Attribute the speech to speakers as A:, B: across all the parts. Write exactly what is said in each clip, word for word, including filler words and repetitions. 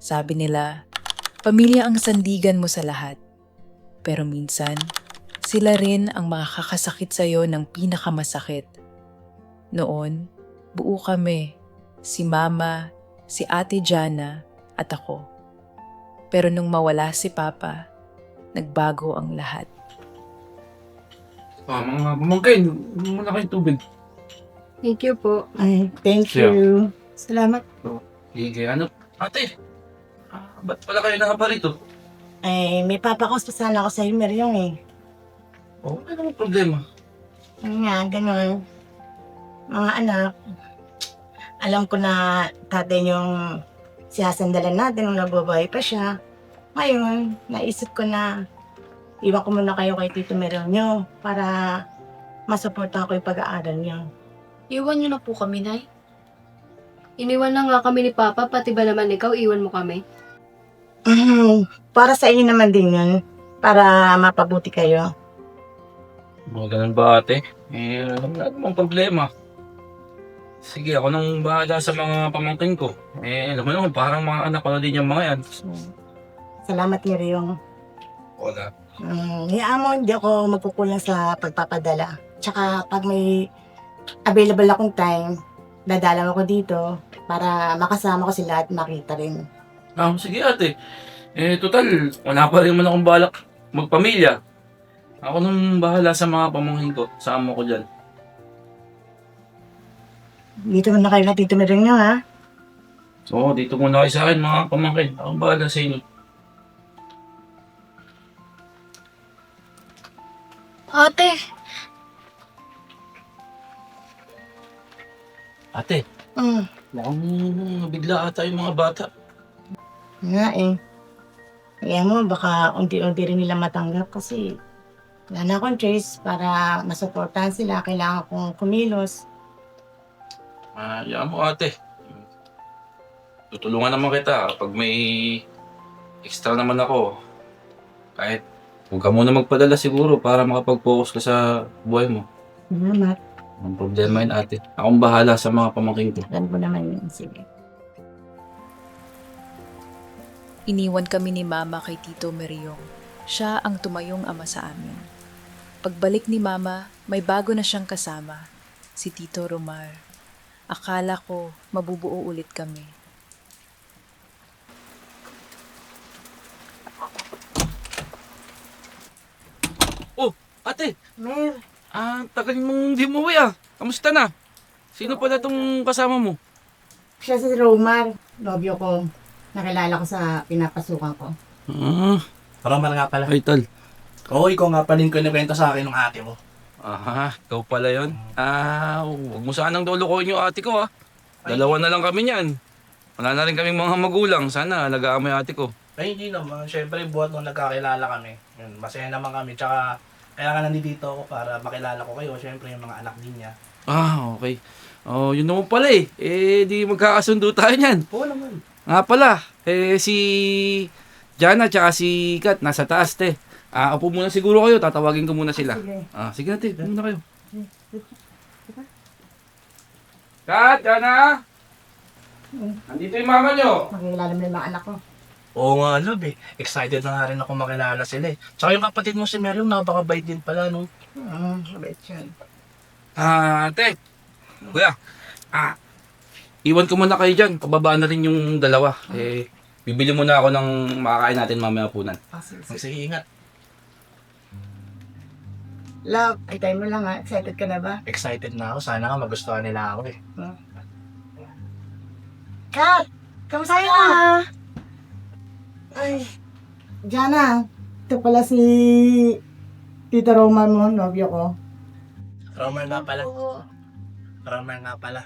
A: Sabi nila, pamilya ang sandigan mo sa lahat. Pero minsan, sila rin ang makakasakit sa'yo ng pinakamasakit. Noon, buo kami, si Mama, si Ate Jana, at ako. Pero nung mawala si Papa, nagbago ang lahat.
B: Ah, mga pamangkin, muna kayong tubig.
C: Thank you po.
D: Ay, thank
B: Siya.
D: you. Salamat.
B: Sige, ano? Ate, ah, ba't pala kayo nakapa rito?
D: Ay, may papakos pa sana ako sa Meryong eh.
B: Oh, ano namang problema?
D: Ano nga, ganun. Mga anak, alam ko na tatay yung siyasandalan natin nung nabubuhay pa siya. Ngayon, naisip ko na iwan ko muna kayo kay Tito Meryong nyo para masuportahan ko yung pag-aaral niyo.
C: Iwan niyo na po kami, Nay. Iniwan na nga kami ni Papa, pati ba naman ikaw, iwan mo kami?
D: Mhm. Para sa inyo naman din yun. Para mapabuti kayo.
B: Mga ganun ba ate? Eh, alam na namang problema. Sige, ako nang bahala sa mga pamangkin ko. Eh, alam mo naman, parang mga anak ko na din yung mga yan.
D: Salamat Meryong.
B: Wala.
D: Mm, hayaan mo, hindi ako magkukulang sa pagpapadala. Tsaka pag may available akong time, dadalaw ako dito para makasama ko sila at makita rin.
B: Ah, sige ate. Eh, total, wala pa rin man akong balak magpamilya. Ako nang bahala sa mga pamangkin ko. Sama ko dyan.
D: Dito muna kayo na Tito Meryong nyo, ha?
B: So, dito muna kayo sa akin mga pamangkin. Ako bahala sa inyo.
C: Ate!
B: Ate,
D: Mm,
B: mukhang nabigla ata yung mga bata.
D: nga eh. Hayaan mo, baka unti-unti rin nila matanggap kasi wala na akong choice para masuportahan sila. Kailangan kong kumilos.
B: Ah, yan mo ate. Tutulungan naman kita pag may extra naman ako. Kahit huwag ka muna magpadala siguro para makapag-focus ka sa buhay mo.
D: Salamat.
B: Ang problema yun ate. Akong bahala sa mga pamangkin ko.
D: Alam ko naman yun. Sige.
A: Iniwan kami ni Mama kay Tito Meryong. Siya ang tumayong ama sa amin. Pagbalik ni Mama, may bago na siyang kasama, si Tito Romar. Akala ko mabubuo ulit kami.
B: Oh, ate!
D: Mer,
B: Ah, tagal mong di umuwi ah. Kamusta na? Sino pala tong kasama mo?
D: siya si Romar. Nobyo ko. Nakilala ko sa pinapasukan ko.
B: Ah,
E: Romar nga pala.
B: ay tal.
E: Oo, ikaw nga pala yung kinikwento sa akin ng ate mo.
B: Aha, ikaw pala yun. Ah, huwag mo sanang dolokohin yung ate ko ah. Dalawa na lang kami niyan. Wala na rin kaming mga magulang. Sana alagaan mo yung ate ko.
E: Ay, hindi naman. Siyempre, buhat nung nagkakilala kami. Yun, masaya naman kami. Tsaka, kaya nga nandito ako para makilala ko kayo. Siyempre, yung mga anak din niya.
B: Ah, okay. Oh, yun naman pala eh. Eh, di magkakasundo tayo niyan.
E: Oo naman.
B: Nga pala, eh si Jana tsaka si Kat nasa taas te. Ah, upo muna siguro kayo, tatawagin ko muna sila.
D: Sige.
B: Ah, sige na te, upo muna kayo. Kat, Jana! Nandito yung mama nyo.
D: Makikilala mo yung mga anak ko.
E: Oo nga, love eh. Excited na nga rin ako makilala sila eh. Tsaka yung kapatid mo si Meryong, napakabait din pala, no?
D: Hmm, mabait yun.
B: Ah, te. Kuya, ah, iwan ko muna kayo dyan. Pababa na rin yung dalawa. Eh, bibili muna ako ng makakain natin mamaya punan.
D: Ah, sige, sige.
E: Sige, ingat.
D: Love, ay tayo mo lang ha. Excited ka na ba?
E: Excited na ako. Sana nga magustuhan nila ako eh.
D: Kat! Kamusta ka? Ay, Jana. Ito pala si Tita Roman mo, nobyo ko.
E: Romar nga pala. Romar nga pala.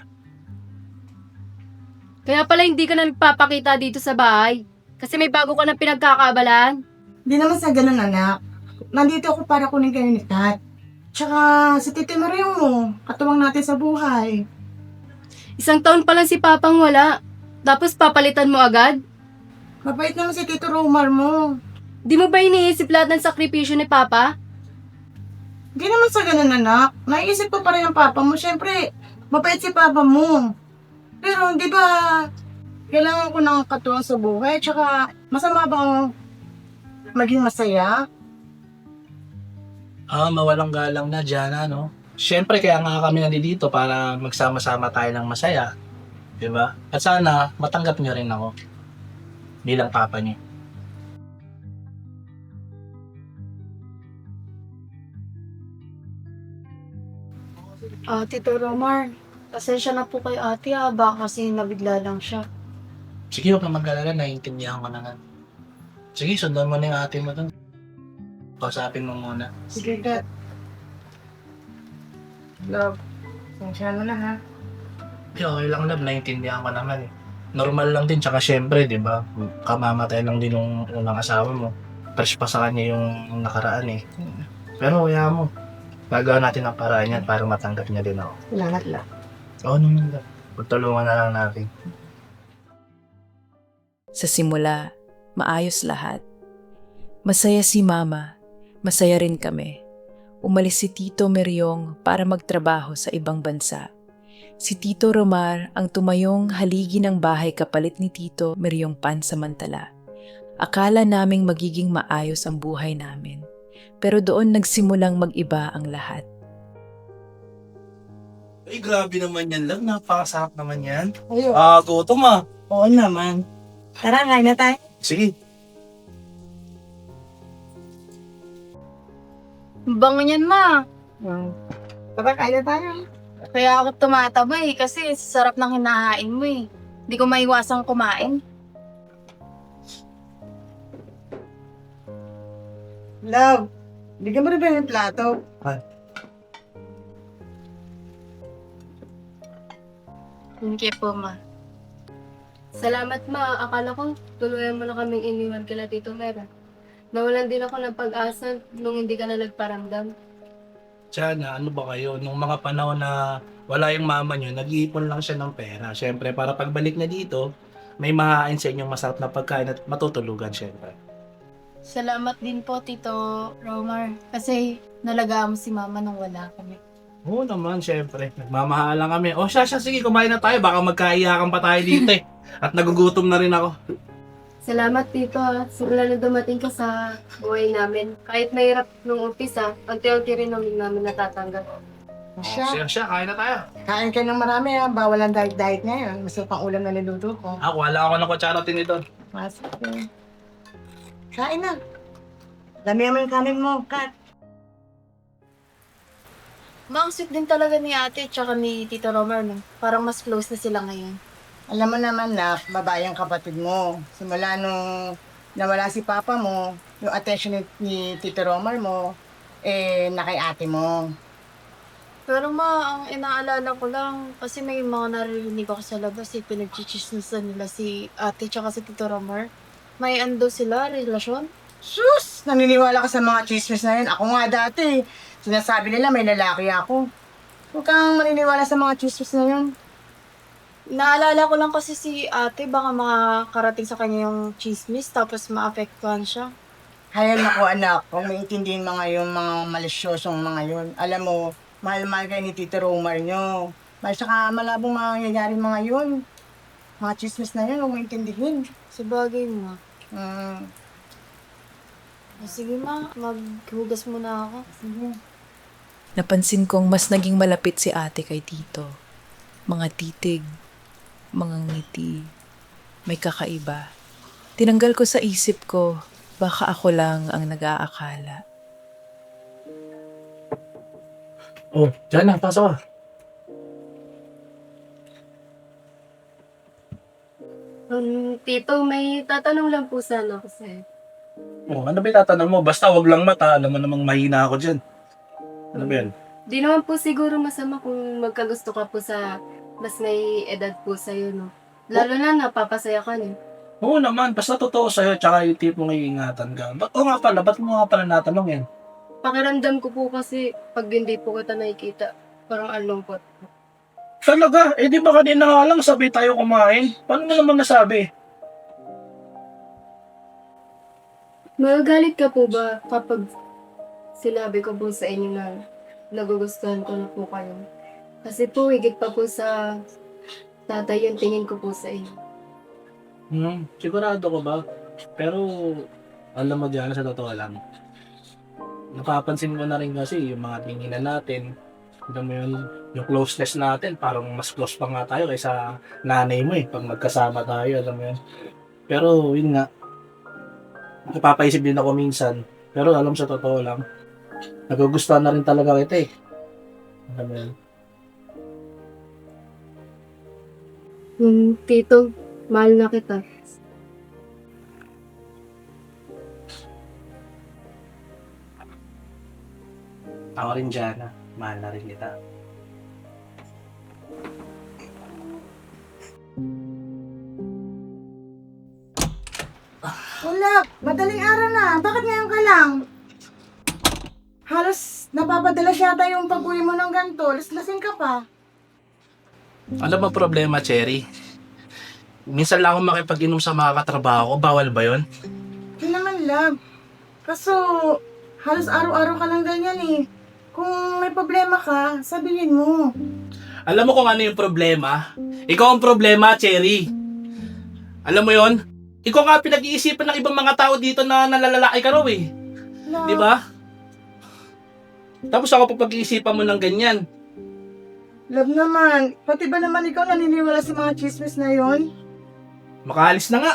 C: Kaya pala hindi ka na nagpapakita dito sa bahay. Kasi may bago ka na pinagkakabalaan.
D: Di naman sa ganun, anak. Nandito ako para kunin kayo ni Kat. Tsaka si Tito Meryong mo, katuwang natin sa buhay.
C: Isang taon pa lang si Papang wala. Tapos papalitan mo agad?
D: Mabait naman si Tito Romar mo.
C: Di mo ba iniisip lahat ng sakripisyo ni Papa?
D: Di naman sa ganun, anak. Naiisip ko pa rin ang papa mo. Siyempre, mabait si papa mo. Pero, di ba, Kailangan ko ng katuwang sa buhay. Tsaka, masama bang maging masaya?
E: Ah, mawalang galang na dyan, ano? Siyempre, kaya nga kami nandito para magsama-sama tayo ng masaya. Di ba? At sana, matanggap niyo rin ako. Bilang papa niyo.
C: Ah, Tito Romar, pasensya na po kay ate ah. Baka kasi nabigla lang siya.
E: Sige, huwag kang mag-alala. Naiintindihan ko na nga. Sige, sundan mo na yung ate mo dun. Kausapin mo muna.
D: Sige, Dad. Love, sensya mo na ha.
E: Okay, okay lang, love. Naiintindihan ko naman eh. Normal lang din, tsaka syempre, di ba? Kamamatay lang din yung unang asawa mo. Fresh pa sa kanya yung nakaraan eh. Pero kaya mo, gagawa natin ang paraan yan para matanggap niya din ako.
D: Salamat, love.
E: Oo naman, love. Pagtulungan na lang natin.
A: Sa simula, maayos lahat. Masaya si Mama, masaya rin kami. Umalis si Tito Meryong para magtrabaho sa ibang bansa. Si Tito Romar ang tumayong haligi ng bahay kapalit ni Tito Meryong pansamantala. Akala naming magiging maayos ang buhay namin. Pero doon nagsimulang mag-iba ang lahat.
E: Ay, grabe naman yan, love. Napakasarap naman yan.
D: Ayun.
E: Ah, gutom ah.
D: Oo naman. Tara, kain na tayo.
E: Sige.
C: Bango niyan, ma.
D: Hmm. Tara, kain na tayo.
C: Kaya ako tumataba eh, kasi sarap ng hinahain mo eh. Hindi ko maiwasang kumain.
D: Love, bigyan mo rin ba yung plato?
C: Thank you po, ma.
F: Salamat ma, akala ko tuluyan mo na kaming iniwan kila Tito Mera. Nawalan din ako ng pag-asa nung hindi ka na nagparamdam.
E: Sana, ano ba kayo, nung mga panahon na wala yung mama nyo, nag-iipon lang siya ng pera. Siyempre, para pagbalik na dito, may mahain sa inyong masarap na pagkain at matutulugan, siyempre.
C: Salamat din po, Tito Romar. Kasi nalagaan mo si mama nung wala kami.
E: Oo naman, siyempre. Nagmamahalan kami. O siya, siya, sige, kumain na tayo. Baka magkaiyakan pa tayo dito eh. At nagugutom na rin ako.
F: Salamat Tito ha, simula na dumating ka sa buhay namin. Kahit mahirap nung umpisa, unti-unti rin namin namin natatanggap.
D: Siya,
E: Siya, siya, kain na tayo.
D: kain ka ng marami ha. Bawal ang diet-diet ngayon. Masarap ang ulam na niluto ko.
E: Ako, wala ako ng kutsara tinidor.
D: Masarap yun. Kain na. Damihan mo yung kanin mo, Kat.
C: Ma, ang sweet din talaga ni ate tsaka ni Tito Romar, no? Parang mas close na sila ngayon.
D: Alam mo naman na, babae ang kapatid mo. Simula nung nawala si papa mo, yung attention ni, ni Tito Romar mo, eh, na kay ate mo.
C: Pero ma, ang inaalala ko lang, kasi may mga naririnig ako sa labas, eh, pinagchichismisan nila si ate tsaka si Tito Romar. May ando sila, relasyon?
D: Sus! Naniniwala ka sa mga chismis na yun. Ako nga dati, sinasabi nila may lalaki ako. Huwag kang maniniwala sa mga chismis na yun.
C: Naalala ko lang kasi si ate, baka makakarating sa kanya yung chismis, tapos maapektuhan siya.
D: Hayal na ko anak, kung maintindihin mga yung mga malisyosong mga yun. Alam mo, mahal-mahal kayo ni Tito Romar nyo. Mahal saka malabong mangyayari mga yun. Mga chismis na yun, huwag maintindihin.
C: Sa bagay mo.
D: Hmm,
C: Sige ma, maghugas muna ako.
D: sige.
A: Napansin kong mas naging malapit si ate kay Tito. Mga titig, mga ngiti, may kakaiba. Tinanggal ko sa isip ko, baka ako lang ang nag-aakala.
E: Oh, dyan na, pasok ka.
F: Um, Tito, may tatanong lang po sana ako sa'yo.
E: Oh, ano ba yung tatanong mo? Basta wag lang mata, alam mo namang mahina ako dyan. Ano ba yan?
F: Di naman po siguro masama kung magkagusto ka po sa mas may edad po sa'yo, no? Lalo na napapasaya ka niyo.
E: Oo naman, basta totoo sa'yo, tsaka yung tipong iingatan ka. Ba't o nga pala, ba't mo nga pala natanong yan?
F: Pakiramdam ko po kasi pag hindi po kita nakikita, parang alungkot.
E: Talaga? Eh di ba kanina nga lang sabi tayo kumain? Paano mo naman nasabi?
F: Magagalit ka po ba kapag sinabi ko po sa inyo na nagugustuhan ko na po kayo? Kasi po, higit pa po sa tatay yung tingin ko po sa inyo.
E: Hmm, sigurado ko ba? Pero, alam mo Diana, sa totoo lang, napapansin ko na rin kasi yung mga tinginan natin, alam mo yun, yung closeness natin, parang mas close pa nga tayo kaysa nanay mo eh, pag magkasama tayo, alam mo yun. Pero, yun nga, napapaisip din ako minsan, pero alam sa totoo lang, nagugustuhan na rin talaga kita eh. Alam mo yun.
F: Hmm, tito, mahal na kita.
E: Ako rin Diana, mahal na rin kita.
D: Wala, madaling araw na. Bakit ngayon ka lang? Halos napapadala siya yata yung pag-uwi mo ng ganito. Laslasing ka pa.
E: Alam mo problema, Cherry? Minsan lang ako makipag-inom sa mga katrabaho ko, bawal ba yun?
D: Hindi naman, love. Kaso, halos araw-araw ka lang ganyan eh. Kung may problema ka, sabihin mo.
E: Alam mo kung ano yung problema? Ikaw ang problema, Cherry. Alam mo yon? Ikaw nga pinag-iisipan ng ibang mga tao dito na nalalalaki ka raw eh.
D: Love,
E: Di ba? Tapos ako pa pag-iisipan mo ng ganyan.
D: love naman. Pati ba naman ikaw naniniwala sa mga chismis na yon?
E: Makaalis na nga.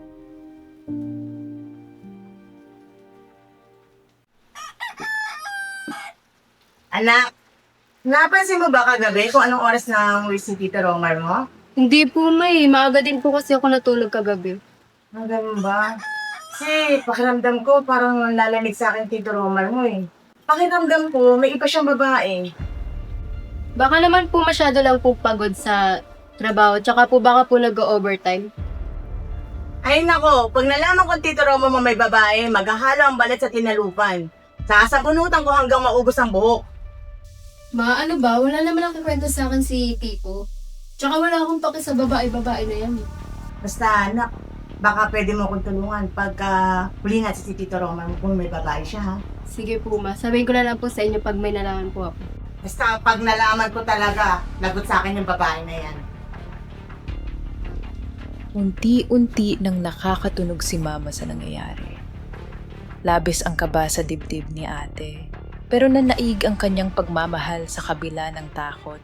D: Anak, napansin mo ba kagabi kung anong oras na uwi si Tito Romar mo?
F: Hindi po, may. Maaga din po kasi ako natulog kagabi.
D: Ang ganun ba? Kasi pakiramdam ko parang lalamig sa akin Tito Romar mo eh. Pakiramdam ko may iba siyang babae.
F: Baka naman po masyado lang po pagod sa trabaho. Tsaka po baka po nag-overtime.
D: Ay nako, pag nalaman ko Tito Romar mo may babae, maghahalo ang balat sa tinalupan. Sasabunutan ko hanggang maubos ang buhok.
F: Ma, ano ba? Wala naman ang kikwento sa akin si Tito. Tsaka wala akong paki sa babae-babae na yan.
D: Basta anak, baka pwede mo akong tulungan pagka huli na si Tito Romar mo kung may babae siya ha.
F: Sige po, ma. Sabihin ko na lang po sa inyo pag may nalaman po ako.
D: Basta pag nalaman ko talaga, lagot sa akin yung babae na yan.
A: Unti-unti nang nakakatunog si Mama sa nangyayari. Labis ang kaba sa dibdib ni ate, pero nanaig ang kanyang pagmamahal sa kabila ng takot.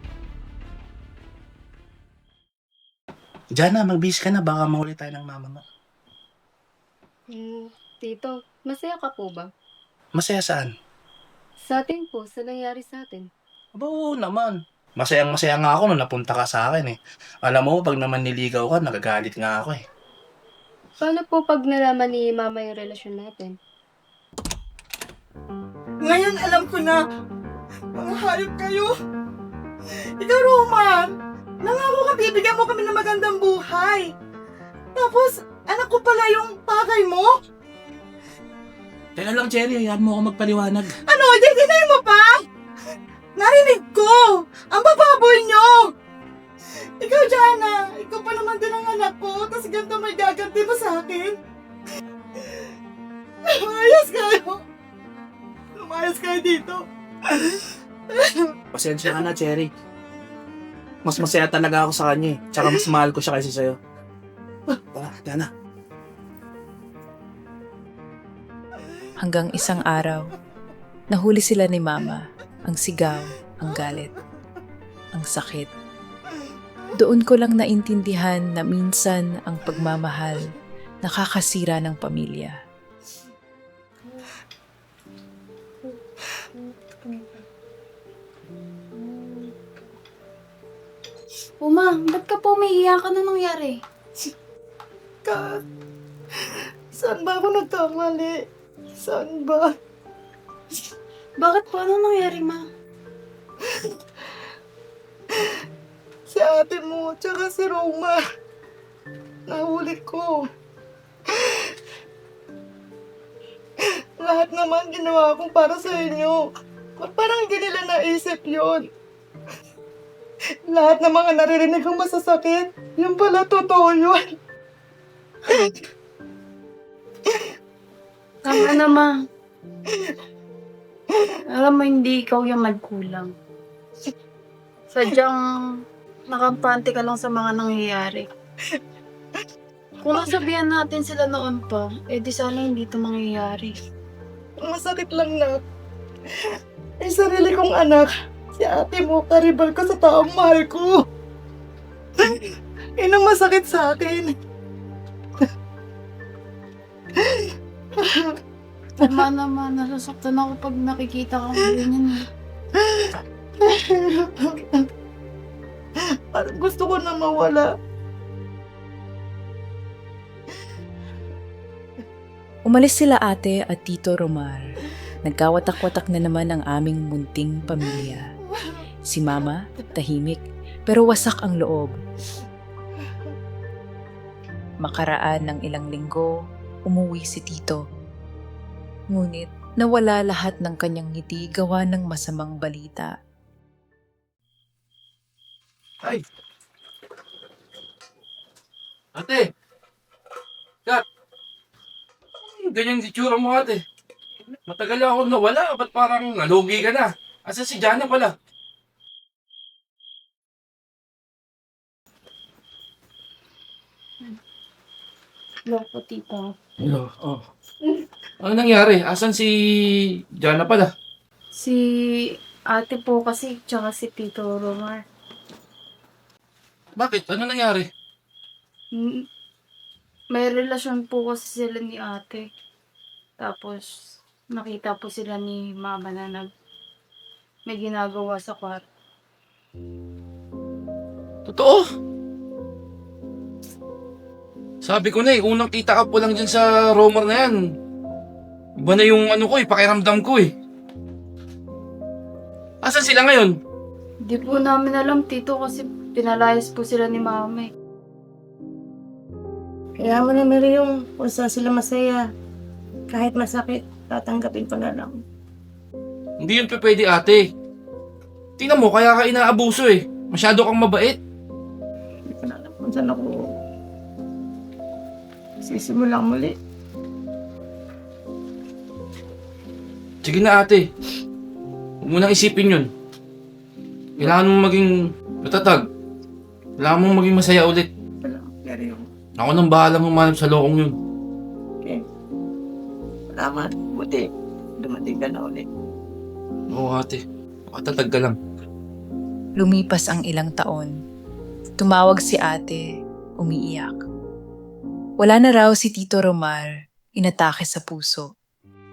E: Diana, mag-bis ka na. Baka mahuli tayo ng mama mo.
F: Hmm, Tito, masaya ka po ba?
E: Masaya saan?
F: Sa atin po, sa nangyari sa atin.
E: Aba, oo naman. Masayang masaya nga ako nung napunta ka sa akin eh. Alam mo, pag naman niligaw ka, nagagalit nga ako eh.
F: Paano po pag nalaman ni Mama yung relasyon natin?
D: Ngayon alam ko na, mga hayop kayo. Ikaw, Roman, nangako ka bibigyan mo kami ng magandang buhay. Tapos, anak ko pala yung pakay mo?
E: Teka lang, Cherry. Hayaan mo ako magpaliwanag.
D: Ano, dinay mo pa? Narinig ko! Ang bababoy nyo! Ikaw, Jana, ikaw pa naman din ang anak ko, tapos ganito may gaganti mo sa akin. Lumayas kayo! Lumayas kayo dito!
E: Pasensya ka na, Cherry. Mas masaya talaga ako sa kanya eh. Tsaka mas mahal ko siya kaysa sa'yo. Tara, Diana.
A: Hanggang isang araw, nahuli sila ni Mama, ang sigaw, ang galit, ang sakit. Doon ko lang naintindihan na minsan ang pagmamahal nakakasira ng pamilya.
C: Uma, ba't ka po umiiyak? Ano nangyari?
D: Kat, saan ba ako nagkamali? Saan ba?
C: Bakit po? Ano nangyari, ma?
D: Si ate mo, tsaka si Roma. Nahuli ko. Lahat naman ginawa kong para sa inyo. Ba't parang hindi nila naisip yun? Lahat ng mga naririnig kong masasakit, yung pala totoo yun.
C: Tama na, ma. Alam mo, hindi ikaw yung nagkulang. Sadyang nakampante ka lang sa mga nangyayari. Kung nasabihan natin sila noon pa, eh di sana hindi ito mangyayari.
D: Masakit lang na. Ay, sarili kong anak. Si ate mo, karibal ko sa taong mahal ko. Yun ang masakit sa akin.
C: Tama naman, nasasaktan ako pag nakikita kang ganyan. eh.
D: Parang gusto ko na mawala.
A: Umalis sila ate at Tito Romar. Nagkawatak-watak na naman ang aming munting pamilya. Si Mama, tahimik, pero wasak ang loob. Makaraan ng ilang linggo, umuwi si Tito. Ngunit nawala lahat ng kanyang ngiti gawa ng masamang balita.
B: Ay! Ate! Kat! Ganyan si tsura mo ate. Matagal ako nawala. Ba't parang nalugi ka na? Asa si Jana pala?
C: Loko, tita.
B: Hello, oh. Ano nangyari? Asan si Jana pala?
C: Si ate po kasi, tsaka si Tito Romar.
B: Bakit? Ano nangyari?
C: Mm, May relasyon po kasi sila ni ate. Tapos, nakita po sila ni mama na nag may ginagawa sa kwarto.
B: Totoo? Sabi ko na eh, unang kita ka po lang dyan sa Romar na yan. Iba na yung ano ko eh, pakiramdam ko eh. Asan sila ngayon?
C: Di po namin alam, tito, kasi pinalayas po sila ni mama eh.
D: Kaya mo na, Mary, yung kung saan sila masaya. Kahit masakit, tatanggapin ko na lang.
B: Hindi yun pa pwede ate. Tingnan mo, kaya ka inaabuso eh. Masyado kang mabait.
D: Hindi ko na alam kung saan ako sisimulang muli.
B: Sige na ate. Huwag mo nang isipin yun. Kailangan mong maging matatag. Kailangan mong maging masaya ulit.
D: Wala, Mary, yung
B: Ako nang bahala mong manap sa lokong yun.
D: okay. Salamat. Buti, dumating ka na ulit.
B: Oo ate. Makatatag ka lang.
A: Lumipas ang ilang taon. Tumawag si ate, umiiyak. Wala na raw si Tito Romar, inatake sa puso.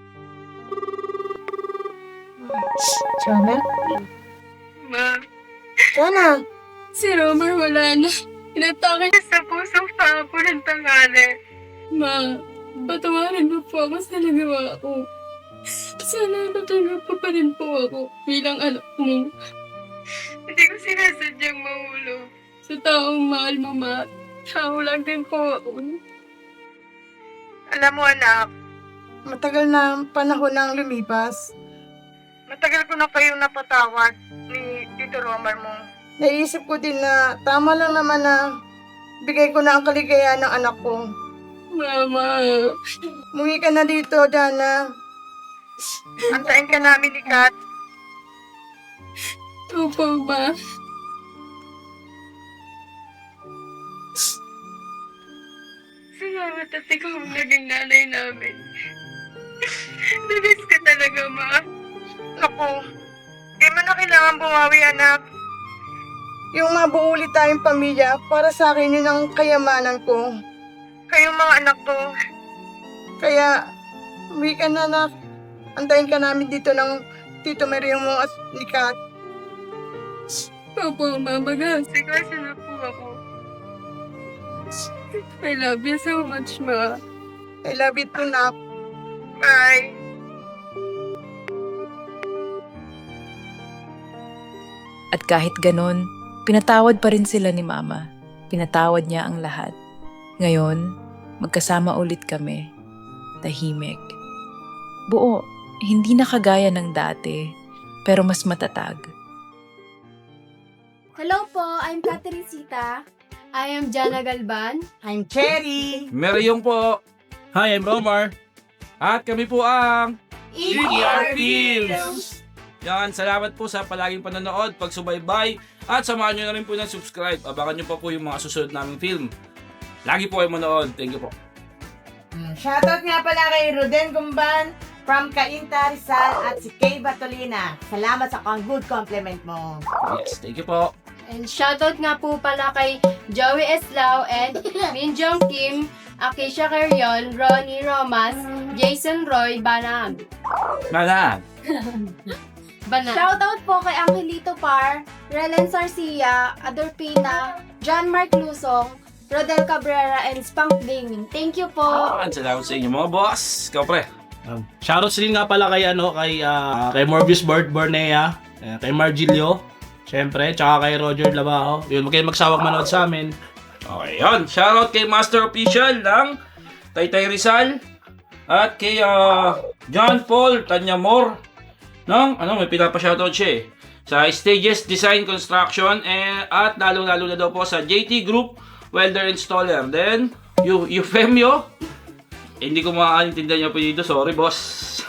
D: Jana?
F: Ma,
D: Jana!
F: si Romer wala na. Inatake niya sa pusong paa po ng tangali. Ma, patawarin mo po ako sa nagawa ko. Sana natanggap ko pa rin po ako bilang anak mo. Hindi ko sinasadyang mahulog. Sa taong mahal mo, ma, tao lang din po ako.
D: Alam mo, anak, matagal na ang panahon nang lumipas. Matagal ko na kayong napatawad ni Tito Romar mo. Naisip ko din na tama lang naman na bigay ko na ang kaligayahan ng anak ko.
F: Mama.
D: Umuwi ka na dito, Jana. Antayin ka namin ni Kat.
F: Opo, ma. Salamat at ikaw ang naging nanay namin. Nabis ka talaga, ma.
D: Naku, di mo na kailangan bumawi, anak. Yung mabuo ulit tayong pamilya, para sa akin yun ang kayamanan ko. Kayong mga anak ko. Kaya, umuwi ka na, anak. Antayin ka namin dito ng Tito Mario mo at ni Kat.
F: Opo, ma. Mag-aasikaso na po ako. I love you so much, ma.
D: I love you too, Nak. Bye.
A: At kahit ganon, pinatawad pa rin sila ni Mama. Pinatawad niya ang lahat. Ngayon, magkasama ulit kami. Tahimik. Buo, hindi na kagaya ng dati, pero mas matatag.
G: Hello po, I'm Caterisita. I am Jana Galban.
D: I'm Cherry.
B: Meryong po.
H: Hi, I'm Romar.
B: At kami po ang
G: E
B: R Films. Yan, salamat po sa palaging panonood, pagsubaybay, at samahan nyo na rin po ng subscribe. Abangan nyo pa po yung mga susunod naming film. lagi po kayo manood. Thank you po.
D: Mm, Shoutout nga pala kay Ruden Gumban from Cainta, Rizal at si Kay Batolina. Salamat sa kang good compliment mo.
B: Yes, thank you po.
G: And shoutout nga po pala kay Joey Eslao and Minjong Kim, Akisha Carrion, Ronnie Romas, Jason Roy, Banag.
B: Mana.
G: Banag.
H: Shoutout po kay Angelito Par, Relen Sarcia, Adorpina, John Mark Lusong, Rodel Cabrera, and Spunk Ding. Thank you po.
B: Ah, salamat sa inyo mga boss. Ikaw pre.
E: Um, shoutouts din nga pala kay ano kay ah, kay Morbius Bord Bornea, eh, kay Margilio, syempre, tsaka kay Roger Labao. Yun, huwag kayong magsawang manood sa amin.
B: Okay, yun. Shoutout kay Master Official ng Taytay Rizal at kay ah, John Paul Tanyamor ng ano, may pinapa-shoutout siya eh. Sa Stages Design Construction eh, at lalo-lalo na daw po sa J T Group Welder Installer. Then, Eu- Eufemio. Eh, hindi ko makakaintindihan niya po dito. Sorry, boss.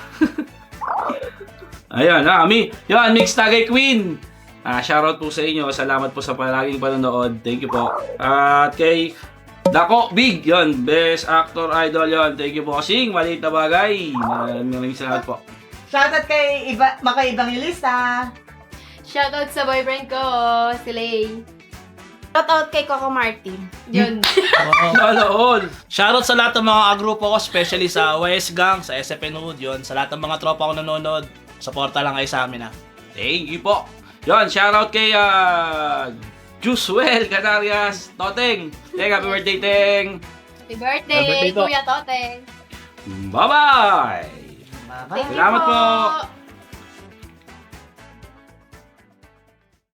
B: Ayan, ah, mi. Yan, Mix Tagay Queen. Ah, shoutout po sa inyo. Salamat po sa palaging panonood. Thank you po. At kay Dako Big, yon, Best Actor Idol yon. Thank you po kasing maliit na bagay. Maraming maraming salamat po.
D: Shoutout kay iba, makaibang lista.
G: Shoutout sa boyfriend ko, si Lay.
H: Shoutout kay Coco Martin.
G: Yun.
B: Sana all.
E: Shoutout sa lahat ng mga agrupo ko, especially sa Y S Gang, sa S F N Hood, yun. Sa lahat ng mga tropa ko nanonood, suporta lang kayo sa amin, ha.
B: Thank you po. Yon, shoutout kay uh, Juswell Canarias Toteng. Teng, happy birthday, Teng.
G: Happy birthday,
E: Happy birthday po.
G: Kuya Toteng.
B: Bye-bye.
D: Bye-bye.
B: Salamat po.